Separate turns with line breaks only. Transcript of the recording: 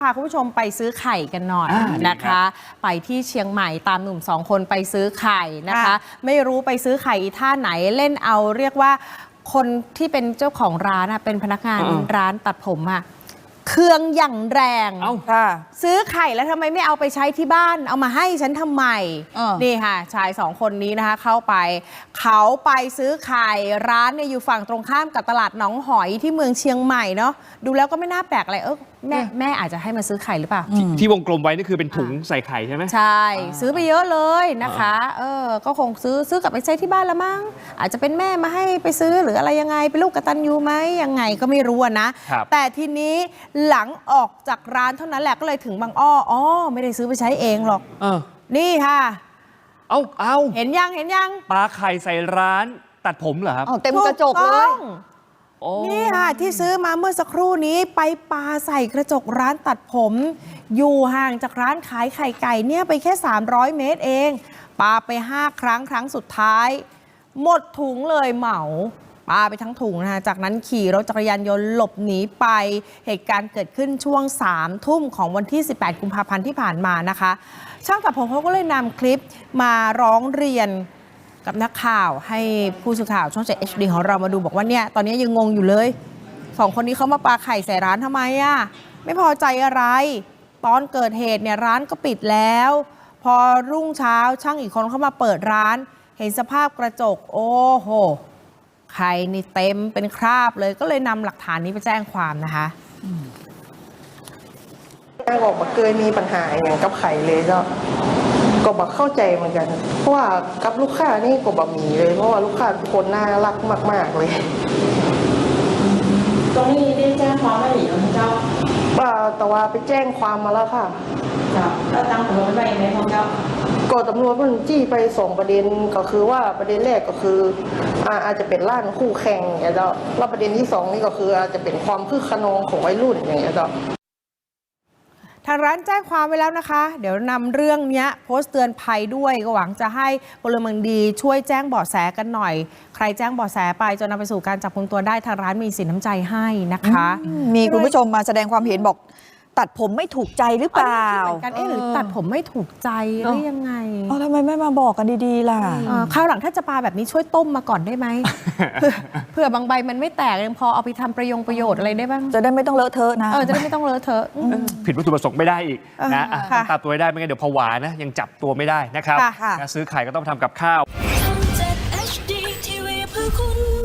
พาคุณผู้ชมไปซื้อไข่กันหน่อยนะคะไปที่เชียงใหม่ตามหนุ่ม2 คนไปซื้อไข่นะคะไม่รู้ไปซื้อไข่อีท่าไหนเล่นเอาเรียกว่าคนที่เป็นเจ้าของร้านเป็นพนักงานร้านตัดผมเครื่องอย่างแรงซื้อไข่แล้วทำไมไม่เอาไปใช้ที่บ้านเอามาให้ฉันทำไมนี่ค่ะชาย2 คนนี้นะคะเข้าไปเขาไปซื้อไข่ร้านเนี่ยอยู่ฝั่งตรงข้ามกับตลาดหนองหอยที่เมืองเชียงใหม่เนาะดูแล้วก็ไม่น่าแปลกอะไรแม่อาจจะให้มาซื้อไข่หรือเปล่า
ที่วงกลมไว้นี่คือเป็นถุงใส่ไข่ใช่ไหม
ใช่ซื้อไปเยอะเลยนะคะก็คงซื้อกลับไปใช้ที่บ้านละมั้งอาจจะเป็นแม่มาให้ไปซื้อหรืออะไรยังไงเป็นลูกกตัญญูไหมยังไงก็ไม่รู้นะแต่ทีนี้หลังออกจากร้านเท่านั้นแหละก็เลยถึงบางอ้อไม่ได้ซื้อไปใช้เองหรอกนี่ค่ะ
เอา
เห็นยัง
ปลาไข่ใส่ร้านตัดผมเหรอครับ
เต็มกระจกเลย
นี่ค่ะที่ซื้อมาเมื่อสักครู่นี้ไปปาใส่กระจกร้านตัดผมอยู่ห่างจากร้านขายไข่ไก่เนี่ยไปแค่300 เมตรเองปาไป5 ครั้งสุดท้ายหมดถุงเลยเหมาปาไปทั้งถุงนะคะจากนั้นขี่รถจักรยานยนต์หลบหนีไปเหตุการณ์เกิดขึ้นช่วง3 ทุ่มของวันที่18 กุมภาพันธ์ที่ผ่านมานะคะช่างตัดผมเขาก็เลยนำคลิปมาร้องเรียนกับนักข่าวให้ผู้สื่อข่าวช่อง 7 HD ของเรามาดูบอกว่าเนี่ยตอนนี้ยังงงอยู่เลย2 คนนี้เขามาปาไข่ใส่ร้านทำไมไม่พอใจอะไรตอนเกิดเหตุเนี่ยร้านก็ปิดแล้วพอรุ่งเช้าช่างอีกคนเข้ามาเปิดร้านเห็นสภาพกระจกโอ้โหไข่นี่เต็มเป็นคราบเลยก็เลยนำหลักฐานนี้ไปแจ้งความนะคะ
บอกว่าเคยมีปัญหาอย่างกับไข่เลยก็บอกเข้าใจเหมือนกันเพราะว่ากับลูกค้านี่ก็บอกมีเลยเพราะว่าลูกค้าทุกคนน่ารักมากๆเลย
ตรงนี้ได้แจ้งความไว้หรือยังเจ้า
แต่ว่าไปแจ้งความมาแล้วค่ะ
แล้วตั้งตำรวจไปไหมพ่อเจ้า
ก็ตำรวจมันจี้ไป2 ประเด็นก็คือว่าประเด็นแรกก็คืออาจจะเป็นร้านคู่แข่งอย่างเงี้ยแล้วประเด็นที่2นี่ก็คืออาจจะเป็นความคึกขนองของวัยรุ่นอย่างเงี้ย
ทางร้านแจ้งความไว้แล้วนะคะเดี๋ยวนำเรื่องนี้โพสต์เตือนภัยด้วยก็หวังจะให้พลเมืองดีช่วยแจ้งเบาะแสกันหน่อยใครแจ้งเบาะแสไปจนนำไปสู่การจับกุมตัวได้ทางร้านมีสินน้ำใจให้นะคะ
มีคุณผู้ชมมาแสดงความเห็นบอกตัดผมไม่ถูกใจหรือเปล่า
หรือตัดผมไม่ถูกใจหรือยังไง
ทำไมไม่มาบอกกันดีๆล่ะ
คราวหลังถ้าจะปาแบบนี้ช่วยต้มมาก่อนได้ไหม เผื่อบางใบมันไม่แตกยังพอเอาไปทำประโยชน์อะไรได้บ้าง
จะได้ไม่ต้องเลอะเทอะนะ
จะได้ไม่ต้องเลอะเทอะ
ผิดวัตถุประสงค์ไม่ได้อีกนะตามตัวได้ไม่งั้นเดี๋ยวผวานะยังจับตัวไม่ได้นะครับซื้อไข่ก็ต้องทำกับข้าว
ช่อง 7 HD TV เพื่อคุณ